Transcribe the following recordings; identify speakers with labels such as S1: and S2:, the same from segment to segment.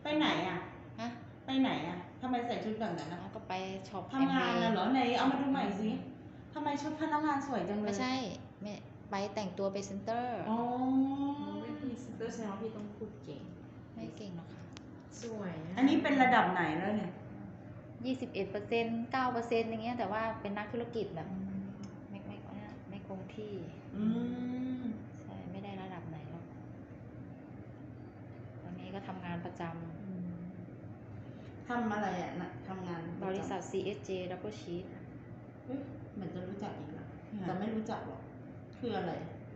S1: ไปไหนอ่ะ
S2: ฮะ
S1: ไปไหนอ่ะทำไมใส่ชุดแบบนั้นนะ
S2: ก็ไปช็อป
S1: ทำงานน่ะเหรอไหนเอามาดูใหม่สิทำไมชุดพนักงานสวยจังเลย
S2: ไม่ใช่ไม่ไปแต่งตัวไปเซ็นเตอร์
S1: อ๋อ
S3: ไม่พี่เซ็นเตอร์แสดงว่าพี่ต้องพูดเก่ง
S2: ไม่เก่งหรอกค่ะ
S3: สวยะ
S1: อันนี้เป็นระดับไหนแล้วเนี่ย
S2: 21% 9%อย่างเงี้ยแต่ว่าเป็นนักธุรกิจแบบไม่คงที่
S1: อืม
S2: ใช่ไม่ได้ระดับไหนหรอกตอนนี้ก็ทำงานประจ
S1: ทำอะไรอ่ะนะทำงาน
S2: ำบริษัท CSJ Double Sheet
S1: เฮ้ยเหมือนจะรู้จักอีกนะแต่ไม่รู้จักหรอก คืออะไร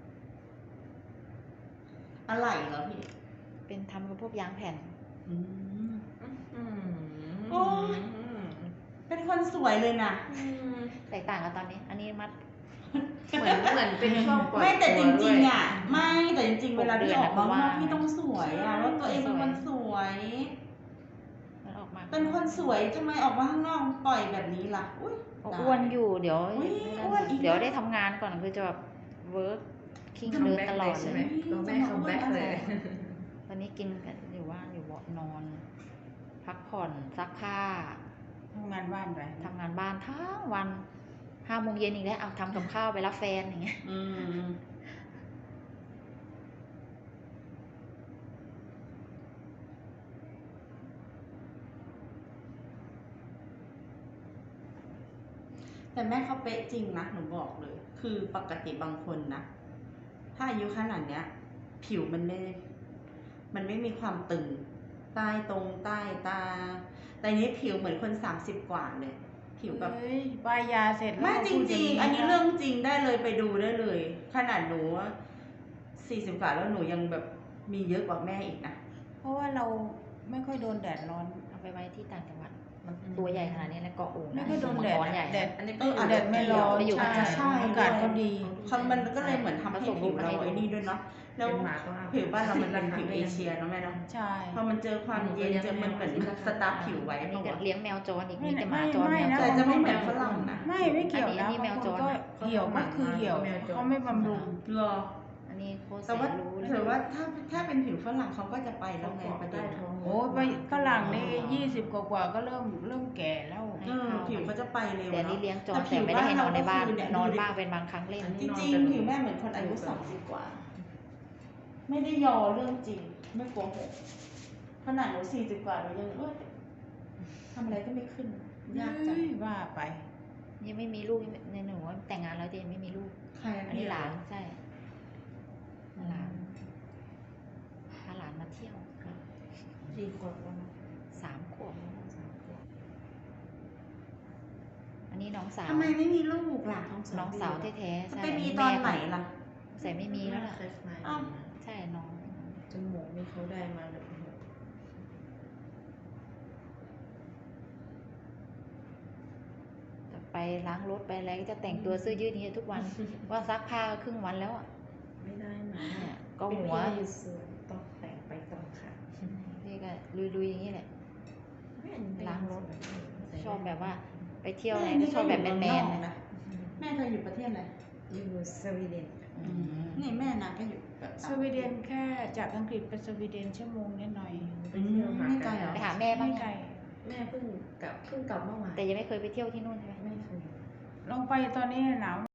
S1: อะไรเหรอพี่
S2: เป็นทำกับพวกยางแผ่น
S1: อืม
S3: อืม
S1: โอ้ย เป็นคนสวยเลยนะ
S2: แตกต่างกับตอนนี้ อันนี้มัด
S3: เหมือนเป็นช่วงปล่อย
S1: ไม่แต่จ
S3: ตัว
S1: ริง
S3: ด้วย
S1: ๆอ่ะ ไม่แต่จริงๆ เวลาที่ออกมา
S2: 6 เดือนนะ
S1: ว่าพี่ต้องสวยอ่ะ
S2: ใช่
S1: ว่าตัวเองเป็นคนสวย
S2: มันออกมา
S1: เป็นคนสวยทำไมออกมาข้างนอกปล่อยแบบนี้ล่ะ อุ้ยตาย
S2: อ้วนอยู่เดี๋ยว
S1: อุ๊ยอ้วนอีก
S2: เดี๋ยวได้ทำงานก่อนคือจะแบบเวิร์กคิง
S3: คัม
S2: เดิน
S3: แบ็ก
S2: ตล
S3: เล
S2: อย ด
S3: ใช่
S2: เล
S3: ไหม
S2: ย
S3: ตัวแม่คัมแบ็กเลย
S2: วันนี้กินกันอยู่ว่านอยู่เบาะนอน พักผ่อนซักผ้า
S1: ทำงานบ้านไป
S2: ทำงานบ้านทั้งวัน5 โมงเย็นอีกแล้วเอาทำกับข้าวไปรับแฟนอย่างเงี้ย
S1: อืม แต่แม่เขาเป๊ะจริงนะหนูบอกเลย คือปกติบางคนนะ ถ้าอายุขนาดเนี้ย ผิวมันไม่มีความตึง ใต้ตรงใต้ตา แต่นี้ผิวเหมือนคน30 กว่าเลย ผิวแบบ
S4: เฮ้ยป้ายยาเสร็จแล้ว
S1: ไม่จ
S4: พูด
S1: ริง
S4: ย่า
S1: ๆ อันนี้เรื่องจริงได้เลยไปดูได้เลย ขนาดหนู40 กว่าแล้วหนูยังแบบมีเยอะกว่าแม่อีกนะ
S4: เพราะว่าเราไม่ค่อยโดนแดดร้อน
S2: เอาไปไว้ที่ต่างจังหวัดมันตัวใหญ่ขนาดนี้แล้วเกาะโอ่ง
S4: ไม่ค่อยโดนแดด
S2: มังกรใหญ่
S4: แดด
S3: อันนี้
S1: อาจ
S4: แด
S1: จะ
S4: ดไม่ร้อน
S2: ไปอยู่
S4: ใช่
S2: ข้างใน
S1: ใช่
S4: อากาศก็ดี
S1: มันก็เลยเหมือนทำให้ผิวเราไอ้นี่ด้วยเนาะแล้ว
S3: เป็นหมาต้องเอา
S1: ผิวบ้านเรามันเป็นผิวเอเชียเนาะแม่เนาะ
S4: ใช่
S1: พอมันเจอความเย็นเจอมันเหมือนสตาร์ฟผิวไว้
S2: อัน
S1: เป
S2: นี้
S1: ล่า
S2: ก็
S1: วะ
S2: เลี้ยงแมวจรอีก
S4: ไม่
S2: มีแต่หมาจร
S4: ไม่
S2: แมว
S4: นะ
S2: จ
S1: แต่
S2: ร
S1: จะไม่เหมือนฝรั่งนะ
S4: ไม่เกี่ยว
S2: อั
S4: นะ
S2: นนี้แมว
S4: บาง
S2: จ
S4: คน
S2: ร
S4: ก็เหี่ยวก็คือเหี่ยว
S3: แมวจร
S4: เขาไม่บำรุง
S1: รอ
S2: อันนี้โคตรแส
S1: แต่ว่าน
S2: รู้เลย
S1: ถือว่าถ้าเป็นผิวฝรั่งเขาก็จะไปแล้วไงประเด็น
S4: โอ้ยไปฝรั่งนี่20 กว่าก็เริ่มแก่แล้ว
S1: ผิวเขาจะไปเร็ว
S2: แต่นี่
S1: เนาะ
S2: เลี้ยงจรแต่ไม่ได้ให้นอนในบ้าน
S1: แต่ผิว
S2: นอน
S1: เร
S2: บ้างเป็นบางครั้งเล่น
S1: จริงๆผิวแม่เหมือนคนอายุ30 กว่า ไม่ได้ยอเรื่องจริง ไม่โกหกขนาดหนู40 กว่าหนูยังทำอะไรก็ไม่ขึ้น ยากจัง
S4: เฮ้ยว่าไป
S2: ยังไม่มีลูกในหนูว่าแต่งงานแล้วแต่ยังไม่มีลูก
S1: ใคร
S2: อันนี้หลานใช่หลานพาหลานมาเที่ยว
S3: กี่ขวบแล้วนะ
S2: 3 ขวบอันนี้น้องสาว
S1: ทำไมไม่มีลูกล่ะ
S2: น้องสาวแท้ๆใช่
S1: ไปมีตอนไหนล่ะ
S2: ใส่ไม่มีแล้วล่ะ
S3: เคยมา
S1: อ้าว
S2: ใช่น้อง
S3: จมูกนี่เขาได้มาแบบ
S2: ไปล้างรถไปอะไรก็จะแต่งตัวเสื้อยืดนี้ทุกวัน ว่าซักผ้าครึ่งวันแล้วอ่ะ
S3: ไม่ได้มา
S2: เนี่ยก็หัว
S3: เป็นพี่สวยต้องแต่งไปตรงค่ะ
S2: นี่ก็ลุยๆอย่างนี้แหละ ล้างรถ ชอบแบบว่าไปเที่ยวอะไรก็ชอบแบบแมนๆ
S1: นะ แม่เธออยู่ประเทศอะไร
S3: อยู่สวีเดน
S1: นี่แม่นางก็อยู่แบบ
S4: สวีเดนแค่จากอังกฤษไปสวีเดนชั่วโมงนิดหน่อย
S3: ไปเที่ยวหา
S1: ไม่ไกลเหรอ
S2: ไปหาแม่บ้าง
S4: ไม่ไกล
S3: แม่เพิ่งกลับเมื่อวาน
S2: แต่ยังไม่เคยไปเที่ยวที่นู่นใช่ไหม
S3: ไม่เคย
S4: ลองไปตอนนี้หนาว